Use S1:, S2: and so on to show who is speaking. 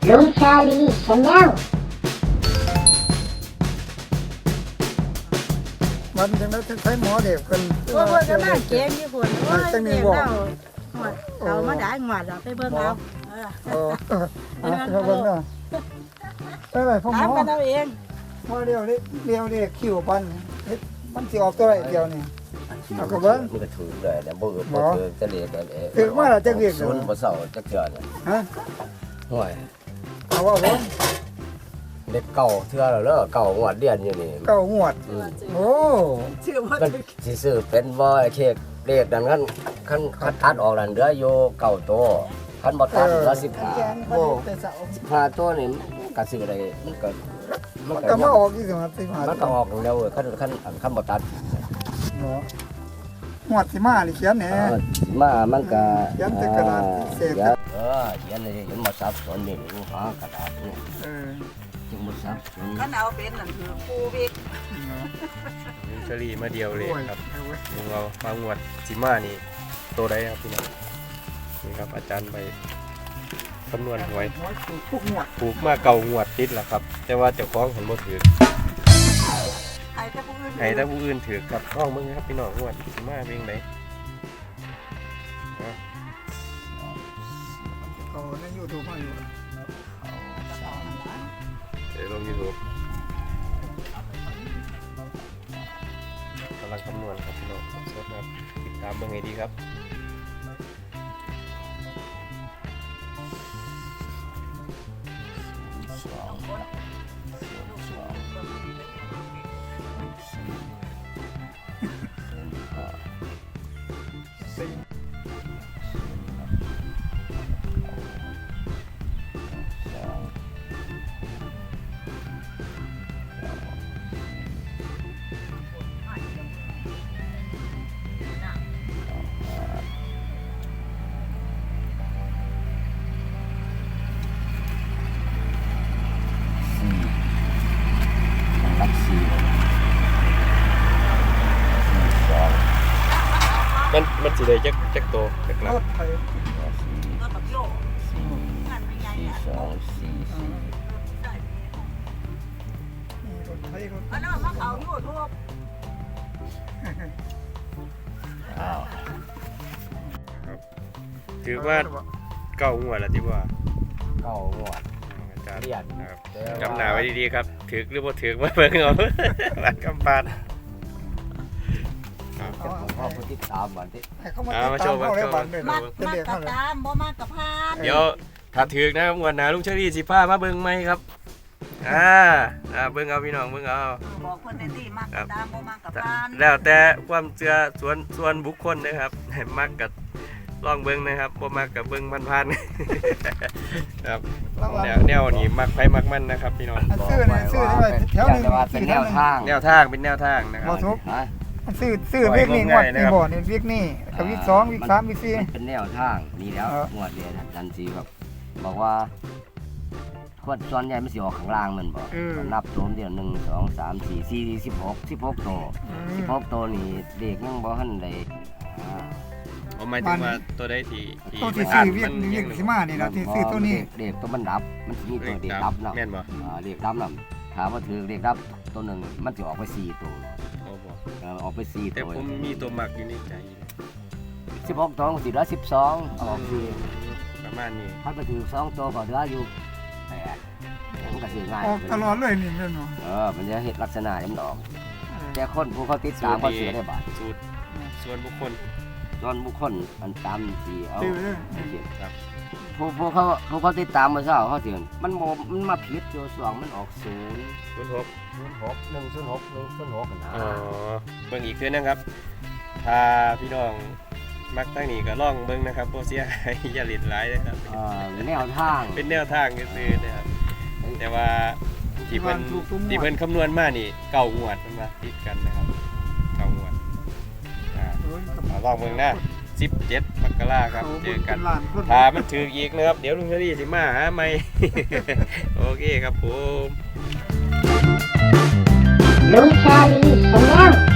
S1: ลุงชาลีชาแนล
S2: มันจังได้ใช้หมอเด็กกัน
S3: โอ้ยก็น่าเก่งอยู่คนโอ้ยเด็กเราเขามาได้หวัดไปเบิ่งเอา
S2: ไปเบิ่งเนาะไปพ่อหม
S3: ถาม
S2: อ
S3: กันเอาเอง
S2: หมอเดียวนี่คิวปันมันสิออกตัวไรเดียวนี่เอากระเบิ้ง
S4: มันก็ถือเลยนะบ่ถือจะเรียกกัน
S2: ถือมาแล้วจะเรียก
S4: ศูนย์บ่เศร้าจักเทื่อเนี่ย
S2: ฮะ
S4: ห่วย
S2: เอาว่าผม
S4: เด็กเก่าเทื่อแล้วเด้อเก่างวดเดือนอยู่นี่
S2: เก้าหวดโอ้
S3: ชื่อว่า
S4: มันสิซื้อเป็นบ่เค้กเลขดังนั้นคันตัดออกนั่นเหลืออยู่เก่าโตคันบ่ตัดเหลือ15
S2: โอ้
S4: 15ตัวนี่ก็ซื้อได้มันก็
S2: ก็มาออกที่สมัยสิมา
S4: มันก็ออกแล้วคันบ่ตัด
S2: หวดสิมานี่เขียนแหน่
S4: มามันก็
S2: เขียนแต่กระดาษเศษ
S4: เขียนเลยเห็นบ่ซับสนนี่หากระดาษนี่จึงบ่ซับสน
S3: กันเอาเป็นนั่นคือปูวิก
S5: ลุงเชอรี่มาเดียวเลยครับลุงเราฟังงวดจิมานี่โตได้ครับพี่น้องนี่ครับอาจารย์ไปคำนวณหวย
S2: ทุกหวด
S5: ปลูกมาเก่างวดติดแล้วครับ แต่ว่าเจ้าของเห็นบ่ถือ
S3: ไอ้ถ้าผู้อื่น
S5: ให้ถ้าผู้อื่นถือกับน้องมึงครับพี่น้องงวดจิมาเป็นไง
S2: เขาในยูทูบมาอยู่
S5: เดี๋ยวลง YouTube กำลังคำนวณครับพี่น้องสดๆครับติดตามเบิ่งให้ดีครับ
S4: รักสี่
S5: มันสิได้จักโตจักหลั
S2: ร
S5: ก
S2: ถไทย
S3: ก็แบบโยกงานไม่ใหญ่อะ
S4: 2 4
S2: รถไทยรถ
S3: อันนั้นมาเขายูทูบ
S5: ถือว่าเก่างวดแล้วที่ว่า
S4: เก่างวด
S5: อาจารย์
S4: เรียน
S5: นะครับจำหนาไว้ดีๆครับถือหรือบ่ถือมาเบิ่งเอาบัดกำปาน
S4: ผมพ่อผู้ติดตามวันที่
S2: เขามาตามเขาแล้วบันเลย
S3: มากมากกับตามบ่มากกับพาน
S5: เดี๋ยวถ้าถือนะครับงวดหน้าลุงเชอรี่สิพามาเบิ่งไหมครับเบิ่งเอาพี่น้องเบิ่งเอา
S3: บอกคนในที่มากกับตามบ่มากกับพาน
S5: แล้วแต่ความเชื่อส่วนบุคคลนะครับมักกับลองเบิ่งนะครับบ่มักกับเบิ่งผ่านๆครับแนวนี้มักไผมักมันนะครับพี่น้อง
S2: ซื้อนี่แถวนึง
S4: เป็นแนวทาง
S5: แนวทางเป็นแนวทางนะครับ
S2: บ่ทุกซื้อวิกนี่งวดนี่บ่นี่วิกนี่กับวิก2วิก3วิก4
S4: มันเป็นแนวทางนี่แล้วงวดเดียวดันสีแบบบอกว่าขวดส่วนใหญ่มันสิออกข้างล่างมันบอกนับโจมเดียว1 2 3 4 4 16โต16โตนี่เด็กยังบ่ทันได้
S5: หมายถึงว่าตัวได้ที่
S2: ตัวที่ซื้อวิกสิมานี่แล้วที่ซื้อตัวนี้
S4: เด็กตัวมันดับมันสิมีตัวเด็กดับเนาะ
S5: แม่นบ่
S4: เด็กดับน่ะถามว่าถือเด็กดับตัวหนึ่งมันจะออกไป4ตัว
S5: โอ้บ่
S4: ออกไป4
S5: แต่
S4: ตัว
S5: ผมมีตัวมักอยู่ในใจ
S4: 16ตัวสิเหลือ12ออกสิ
S5: ประมาณนี้
S4: ถ้าไปถือ2ตัวก็เหลืออยู่8มันก็สิง่าย
S2: ออกตลอดเลยนี่แม่นบ่
S4: มันจะเห็นลักษณะมันออกแต่คนผู้เขาติดตามเขาเสียได้บาท
S5: สูตรส่วนบุคคล
S4: ส่วนบุคคลมันตามสีเอา
S2: ซื้อเลย
S5: ครับ
S4: ผู้เขาติดตามมาเช้าเขาเสียมันมาผิดตัวสองมันออก0
S5: 06
S4: 106 106กันนะ
S5: อ๋อเบิ่งอีกเทื่อนึงครับถ้าพี่น้องมักตั้งนี้ก็ลองเบิ่งนะครับบ่เสียหายอย่าหลิดหลายนะครับ
S4: แนวทาง
S5: เป็นแนวทางซื่อๆนะครับแต่ว่าที่เพิ่นคำนวณมานี่เก่างวดมันมาติดกันนะครับเก่างวดลองเบิ่งนะ17 มกราครับเจอกันถ้ามันถืออีกนะครับเดี๋ยวลุงเชอรี่สิมาหาใหม่ โอเคครับผม
S1: ลุงชาลีชาแนล